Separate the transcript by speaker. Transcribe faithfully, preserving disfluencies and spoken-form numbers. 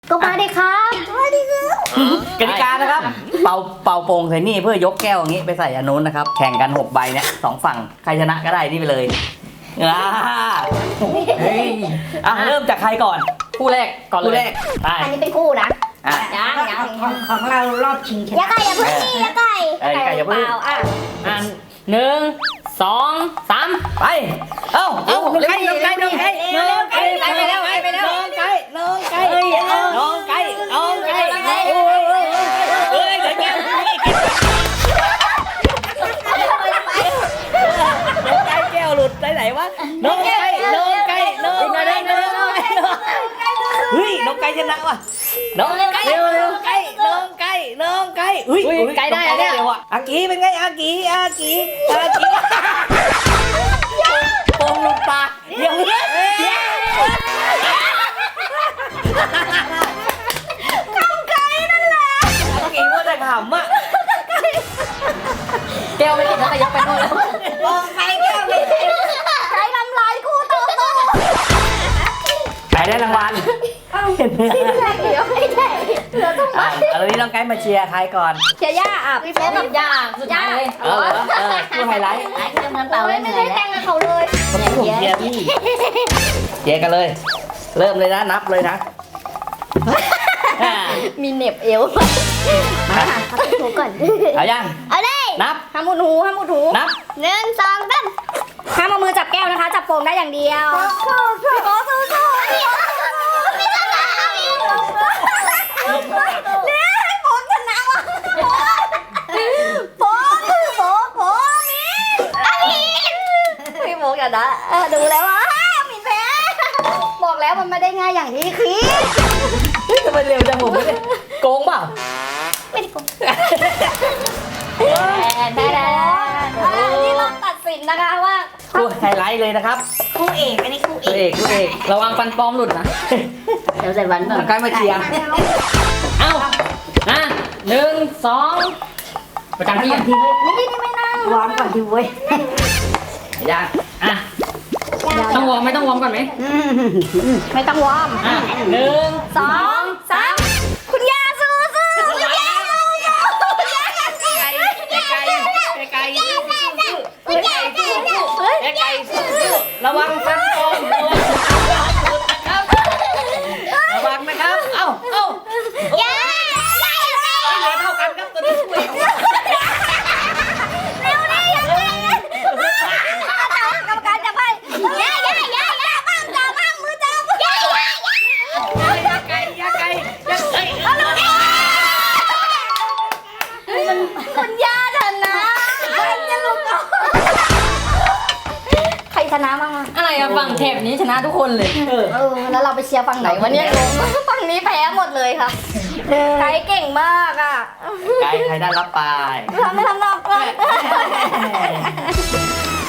Speaker 1: ก็มาดิครับมาดิครับกติกานะครับเป่าเป่าโป่งใส่นี่เพื่อยกแก้วอย่างนี้ไปใส่อันนู้นนะครับแข่งกันหกใบเนี่ยสองฝั่งใครชนะก็ได้นี่ไปเลยอ่าเฮ้ยอ่ะเริ่มจากใครก่อนคู่แรกก่อนเลยคู่แรกไป
Speaker 2: อันนี้เป็นคู่นะ
Speaker 1: อ่ะ
Speaker 2: ยังยัง
Speaker 3: ของของเรารอบชิงช
Speaker 2: อย่า
Speaker 3: นะ
Speaker 2: ไก่อย่าพึ่งนี่อย่าไก่
Speaker 1: เอ้ยไก่อย่าพึ่ง
Speaker 2: เปล่อ่ะ
Speaker 4: อ่ะหนึ่งสองสาม
Speaker 1: ไปเอ้าเอ้าน้องไก่น้องไก่น้องไก่น้องไก่ไปแล้วไปแล้วน้องไก่น้องไก่น้องไก่น้องไก่โอ้ยเฮ้ยเดี๋ยวแก้วน้องไก่แก้วหลุดไปไหนวะน้องไก่น้องไก่น้องไก่น้องไก่เฮ้ยน้องไก่ชนะว่ะน้องไก่น้องไก่น้องไก่น้องไก่เฮ้ยไก่ได้เนี่ยอากีเป็นไงอากีอากีอากีโป่งหลุดปากเดี๋ยวเดี๋ยวคำไก่นั่นแหละกินว่าแต่ขำอ่ะ
Speaker 4: แก้วไม่ติดแล้วแต่ยกไปโน่นแล้ว
Speaker 3: บอกใครแก้วไม่ได้
Speaker 2: ไก่ลำลายคู่ต่อสู้
Speaker 1: ไก่ได้รางวัลเห็นไหม
Speaker 2: เดี๋ยวไม่ได้เหลือต้อง
Speaker 1: อ่ะเอาวันนี้น้องไก่มาเชียร์ใครก่อน
Speaker 2: เชียร์ย่าอ่ะพี่
Speaker 4: แก้
Speaker 2: เป๊
Speaker 4: วกับยาสุดท้ายเลย
Speaker 1: เออเออคู่ไฮไลท์
Speaker 2: ไอ้เรื่องนั้นเปล่าไม่ได้แต่งกับเขาเลย
Speaker 1: ผมเชียร์พี่เชียร์กันเลย เริ่มเลยนะนับเลยนะอ่า
Speaker 2: มีเหน็บเอวมาพักหูก่อน
Speaker 1: เอายัง
Speaker 2: เอาเลย
Speaker 1: นับ
Speaker 2: ห้ามมุดหูห้ามมุดหู
Speaker 1: นับ
Speaker 2: หนึ่งสองสามห้ามเอามือจับแก้วนะคะ จับโป่งได้อย่างเดียวพี่โบ๊ทสู้ๆพี่พี่ชนะพี่เนี่ยให้โบ๊ทชนะว่ะโบ๊ทโบ๊ทโบ๊ทนี่อามินพี่โบ๊ทกันนะเออดูแล้วว่าอามินแพ้บอกแล้วมันไม่ได้ง่ายอย่างที่คิด
Speaker 1: ทำไมเร็วจังผมไม่ได้โกงเปล่า
Speaker 2: ไม่ได้โกงแพ้แล้วนี่เราตัดสินนะคะว่า
Speaker 1: คู่ไฮไลท์เลยนะครับ
Speaker 3: คู่เอกอันนี้คู่เอ
Speaker 1: คู่
Speaker 3: ก
Speaker 1: เอกคู่เอก
Speaker 4: ระวังฟันปลอมหลุดนะ
Speaker 2: เดี๋ยวใส่วันก่อ
Speaker 1: น้อน งไก่มาเชียร์
Speaker 4: เอ้าอ่ะหนึ่งสองประจำที่อย่างที่
Speaker 2: นี่นี่ไม่นั่ง
Speaker 3: วอร์มก่อนดิเว้ย
Speaker 1: ยัง
Speaker 4: อ่ะต้องวอร์มไหมต้องวอร์มก่อนไหม
Speaker 2: ไม่ต้องวอร์ม
Speaker 4: อ่ะหนึ่ง
Speaker 2: สองสามคุณย่าสู้สู้คุณย่าสู้สู้คุณย่าสู้
Speaker 1: ไก่ไก่ไก่ไก่
Speaker 2: คุณย่าสู้สู้เฮ้ย
Speaker 1: ไก่ระวังฟันปลอมระวังระวังนะครับเอ้าเอ้า
Speaker 2: ย่าย่าเร็ว
Speaker 1: เหลือเท่ากันครับตัวนี้คู่เอก
Speaker 2: เร็วดิย่าเร็วกรรมการจะไปย่าย่าย่าย่าบ้างจับบ้างมือจับย่าย่าย่า
Speaker 1: ไก่ยาไก่ยาไก่
Speaker 2: เอาลูกดิคุณย่าชนะใครจะลุกก่อนใครชนะบ้างอะ
Speaker 4: อะไรอะฝั่งแถบนี้ชนะทุกคนเลย
Speaker 1: เออ
Speaker 2: เออแล้วเราไปเชียร์ฝั่งไหนวะเนี่ยงงฝั่งนี้แพ้หมดเลยค่ะใครเก่งมากอ่ะ
Speaker 1: ไก่ใครได้รับไป
Speaker 2: ทำไม่ทำหรอก